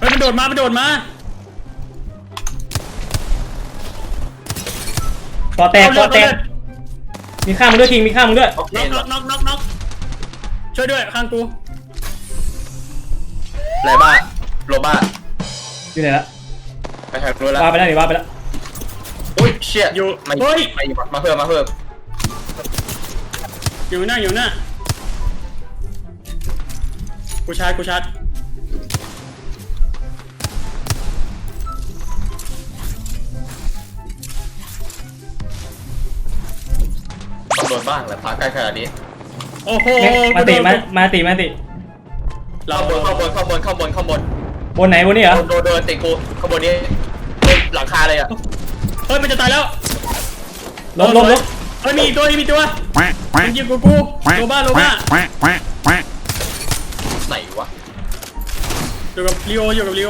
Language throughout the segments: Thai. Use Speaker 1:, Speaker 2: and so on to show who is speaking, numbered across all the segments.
Speaker 1: ฮ้ยมันโดดมา
Speaker 2: ก่อแตกมีข้ามมึงด้วยคิงมีข้ามมึงด้วย
Speaker 1: น็อกช่วยด้วยข้างกู
Speaker 3: ไรบ้าโรบ้า
Speaker 2: อยู่ไหนละ
Speaker 3: ไปทางนู้นแล้ว
Speaker 2: ว่าไปแล้ว
Speaker 3: อุ้ยเชี่ย
Speaker 1: อยู่
Speaker 3: มาเพิ่ม
Speaker 1: อยู่หน้ากูชาร์จ
Speaker 3: ต้องโดนบ้างแหละพาใกล้ขนาดนี้
Speaker 1: โอ้โห
Speaker 2: มาติ
Speaker 3: เข้าบน
Speaker 2: บนไหนบนนี่เหรอ
Speaker 3: โดนติกูข้างบนนี้หลังคาเลยอ่ะ
Speaker 1: เฮ้ยมันจะตายแล้ว
Speaker 2: ล้ม
Speaker 1: เฮ้ยมีตัวมันยิงกูโลบ้า
Speaker 3: ไหนวะ
Speaker 1: อยู่กับลีโอ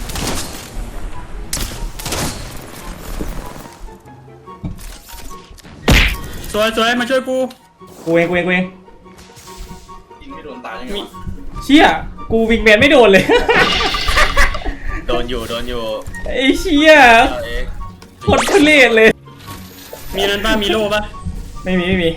Speaker 1: สวยมาช่วย
Speaker 2: กูเอง
Speaker 3: ยิงไม่โดนตายยังไง
Speaker 2: เชี่ยกูวิงแมนไม่โดนเลย
Speaker 3: โดนอยู่
Speaker 2: ไอ้เชี่ยโคตรทุเรศเลย
Speaker 1: มีนั้นป่ะมีโล่ป่ะ
Speaker 2: ไม่มี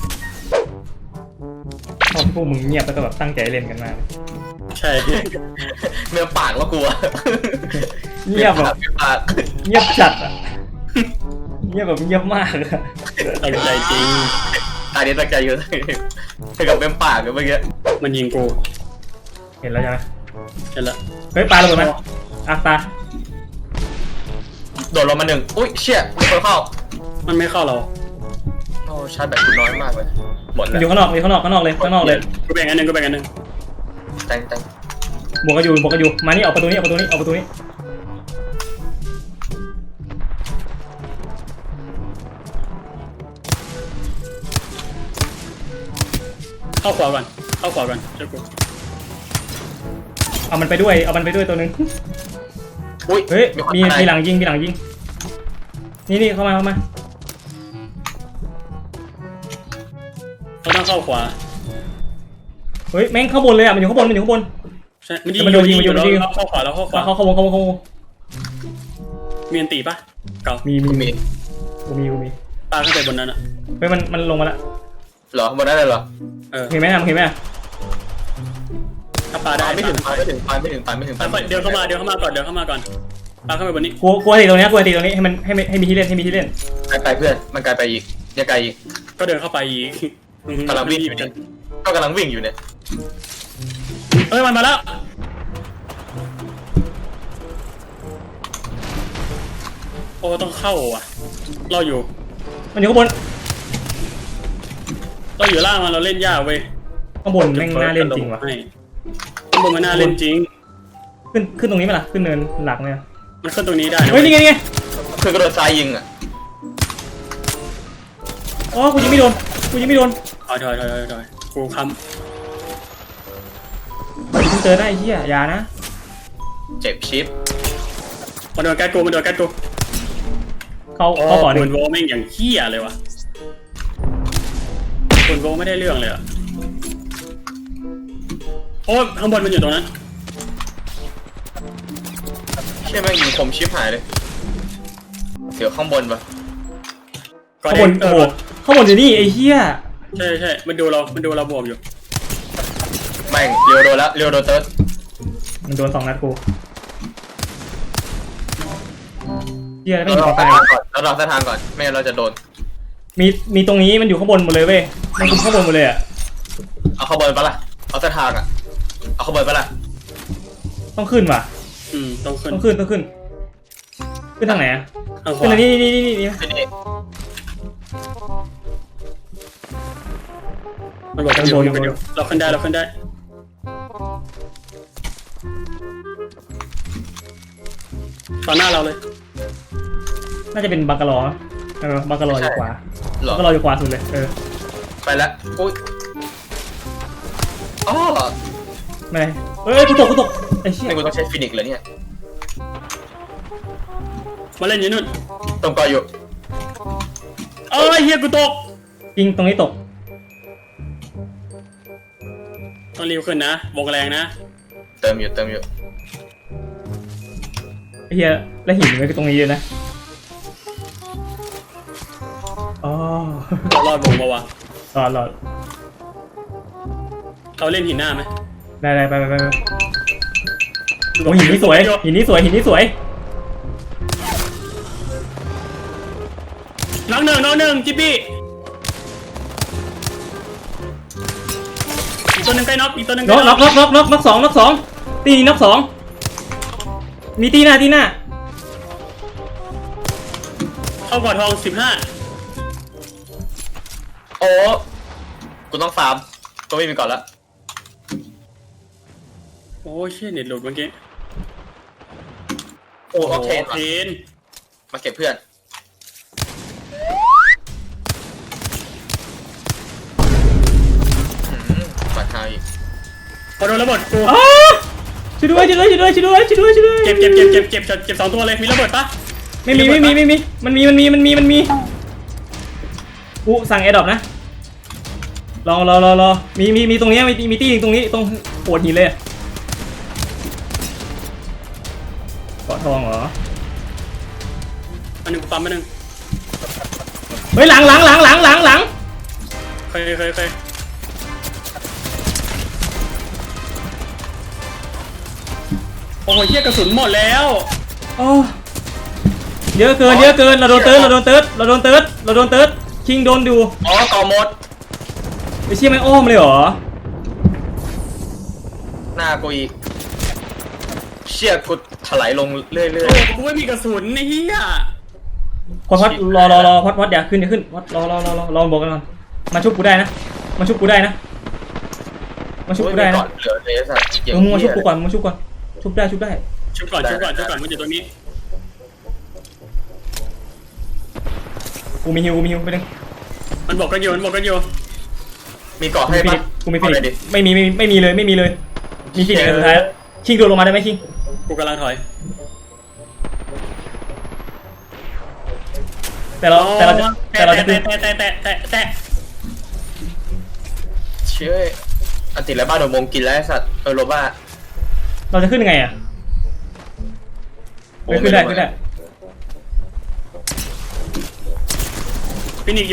Speaker 2: พวกมึงเงียบแล้วก็แบบตั้งใจเล่นกันมาก
Speaker 1: ใช่
Speaker 3: เมื่อปากแล้วกลัว
Speaker 2: เงียบแบบเงียบจัดอ่ะเงียบแบบเงียบมาก
Speaker 1: ตั้งใจจริง
Speaker 3: ตาเนี้ตั้งใจเยอะให้กับเมื่อปากกันเมื่อกี้
Speaker 1: มันยิงกู
Speaker 2: เห็นแล้วใช่ไหม
Speaker 1: เห็นแล้ว
Speaker 2: เฮ้ยปลาระเบิดไหมตา
Speaker 3: โดดลงมาหนึ่งอุ้ยเชี่ยมีคนเข้า
Speaker 1: มันไม่เข้าเรา
Speaker 3: โอ้ชาร์จแบบคุณน้อยมากเลยหมดแล้ว
Speaker 2: อยู่ข้างนอกเลย
Speaker 1: กูแบ่งอันหนึ่ง
Speaker 3: แต่ง
Speaker 2: บวกกันอยู่มานี่ออกประตูนี้
Speaker 1: เข้าขวาก่อนเจ้ากู
Speaker 2: เอามันไปด้วยตัวนึง
Speaker 3: อุ้ย
Speaker 2: เฮ้ยมีหลังยิงนี่เข้ามา
Speaker 1: เขาต้องเข้าขวา
Speaker 2: เฮ้ยแม่งข้างบนเลยอ่ะมันอยู่ข้างบน
Speaker 1: ใช่มันโดนยิงเข้าขวาแล้ว
Speaker 2: เข้าวง
Speaker 1: มีอันตีปะเก่า
Speaker 2: มี
Speaker 1: ปลาขึ้นไปบนนั้นอ่ะ
Speaker 2: เฮ้ยมันลงมาละ
Speaker 3: เหรอบนได้เลยเหรอ
Speaker 2: เห็นไหม
Speaker 1: ถ้าปลาได้
Speaker 3: ไม่ถึง
Speaker 1: เดินเข้ามาก่อนปลาขึ้นไปบนนี้
Speaker 2: กลัวตีตรงนี้ให้มีที่เล่น
Speaker 3: ไกลเพื่อนมันไกลไปอีกยังไกลอีก
Speaker 1: ก็เดินเข้าไปอีก
Speaker 3: กำลังวิ่งอยู่เนี่ยก็กำลังวิ่งอยู่เนี่ย
Speaker 1: เฮ้ยมันมาแล้วโอ้ต้องเข้าอ่ะเราอยู่
Speaker 2: มันอยู่ข้างบน
Speaker 1: เราอยู่ล่างมันเราเล่นยากเว้ย
Speaker 2: ข้างบนแม่งน่าเล่นจริงว่ะ
Speaker 1: ข้างบนมันน่าเล่นจริง
Speaker 2: ขึ้นตรงนี้ไหมล่ะขึ้นเนินหลักไหม
Speaker 1: มันขึ้นตรงนี้ได้
Speaker 2: เฮ้ยนี่ไง
Speaker 3: คือกระโดดซ้ายยิงอ่ะ
Speaker 2: อ๋อกูยิงไม่โดน
Speaker 1: ถอยกูค้ำ
Speaker 2: มึงเจอได้เหี้ยอย่านะ
Speaker 3: เจ็บชิป
Speaker 1: มันโดนแก๊สกู
Speaker 2: เขาก่อน
Speaker 1: ปืนโวแม่งอย่างเหี้ยเลยวะปืนโวไม่ได้เรื่องเลยอะโอ้ข้างบนมันอยู่ตรงนั้น
Speaker 3: เชี่ยแม่งยิงคมชิปหายเลยเดี๋ยวข้างบนปะ
Speaker 2: ข้างบนอยู่นี่ไอ้เหี้ย
Speaker 1: ใช่มันดูเราบวกอยู่
Speaker 3: แม่งเรียวโดนเติร์ด
Speaker 2: มันโดน2 นัดกูเหี้ยไม่มีไฟ
Speaker 3: เรารอเส้นทางก่อนไม่งั้นเราจะโดน
Speaker 2: มีตรงนี้มันอยู่ข้างบนหมดเลยเว้ยมันคุมข้างบนหมดเลยอ่ะ
Speaker 3: เอาข้างบนปะล่ะเอาเส้นทางอ่ะเอาข้างบนปะล่ะ
Speaker 2: ต้องขึ้นว่ะ
Speaker 1: ต้องขึ้น
Speaker 2: ทางไหนอ่ะขึ้นนี่
Speaker 1: มันบอกกันอยู่เราขึ้นได้ตอนหน้าเราเลย
Speaker 2: น่าจะเป็นบังกะลอบังกะลออยู่ขวาบังกะลออยู่ขวาสุดเลย
Speaker 3: ไปแล้วอุ้ยอ๋อ
Speaker 2: ไม่เฮ้ยกูตกไอ้เชี่ย
Speaker 3: กูต้องใช้ฟินิกส์เลยเนี่ย
Speaker 1: มาเล่นอยู่นู่น
Speaker 3: ตรงก่ออยู่
Speaker 1: เอ้ยเฮียกูตก
Speaker 2: จริงตรงนี้ตก
Speaker 1: ต้องรีบขึ้นนะวงแรงนะ
Speaker 3: เติมอยู่
Speaker 2: เฮียแล้วหินมันก็ตรงนี้เลยนะอ๋อ
Speaker 1: เรารอดวงปะวะ
Speaker 2: รอด
Speaker 1: เขาเล่นหินหน้าไหม
Speaker 2: ได้ไปโอ้หินนี้สวยหินนี้สวยหินนี้สวย
Speaker 1: น้องหนึ่งจิ๊บบี้อีกตัวหนึ่งใกล้น็อกอีกตัวหนึ่ง
Speaker 2: น็อกสองตีน็อกสองมีตีหน้า
Speaker 1: เข้าก่อทอง15
Speaker 3: โอ้กูต้องฟาร์มก็ไม่มีก่อนละ
Speaker 1: โอ้เชี่ยเน็ตหลุดเมื่อกี้
Speaker 3: โอ้ออกเทน
Speaker 1: เทน
Speaker 3: มาเก็บเพื่อนปัดทางอีก
Speaker 1: พอโดนระเบิดกู
Speaker 2: อ๋อช่วยด้วยเ
Speaker 1: เก็บ2ตัวเลยมีระเบิดปะ
Speaker 2: ไม่มีมันมีสั่งแอร์ดรอปนะรอมีตรงนี้มีตีตรงนี้ตรงโขดหินเลยเกาะทองเหรอ
Speaker 1: อันหนึ่งปั๊มอันหนึ่ง
Speaker 2: เฮ้ยหลัง
Speaker 1: เคยโอ้ยเหี้ยกระสุนหมดแล้ว
Speaker 2: โอ้เยอะเกินเราโดนเติร์ดคิงโดนดู
Speaker 3: อ๋อต่อหมด
Speaker 2: ไม่เชี่ยไม่อ้อมเลยเหรอ
Speaker 3: หน้ากูอีกเชี่ยกูถลายลงเรื่อย
Speaker 1: โอ้ยกูไม่มีกระสุนไอ้เหี้ย
Speaker 2: พอดรอพอดอย่าขึ้นพอดรอบอกกันก่อนมาชุบกูได้นะมาชุบกูได้นะ
Speaker 3: ๆก่อนเหลือเลยสัตว์
Speaker 2: มึงมาชุบกูก่อนชุบได้
Speaker 1: ชุบก่อนมันอยู่ตรงนี้
Speaker 2: กูมีฮิวไปนึง
Speaker 1: มันบอกกันอยู่
Speaker 3: มีเกาะให้ปะ
Speaker 2: กูมีฟินิกไม่มีเลยมีฟินิกสุดท้ายคิงโดดลงมาได้ไหมคิง
Speaker 1: กูกำลังถอย
Speaker 2: แต่เราจะขึ้น
Speaker 1: แต่
Speaker 3: เชื่ออันติดแล้วบ้านโดนมงกินแล้วสัตว์โรบ้า
Speaker 2: เราจะขึ้นยังไงอ่ะขึ้นได้
Speaker 1: ฟินิกอยู่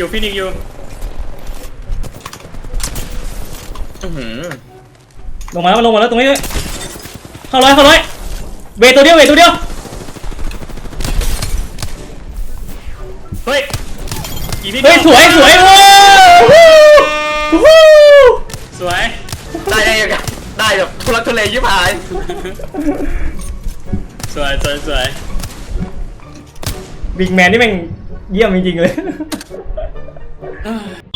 Speaker 2: ลงมาแล้วตรงนี้เข้าร้อยเวทตัวเดียว
Speaker 1: เฮ้ยอีพี่
Speaker 2: เฮ้ยสวยว้าว
Speaker 1: สวย
Speaker 3: ได้ยังไงได้แบบทุลักทุเลยิบหาย
Speaker 1: สวย
Speaker 2: บิ๊กแมนนี่แม่งเยี่ยมจริงๆเลย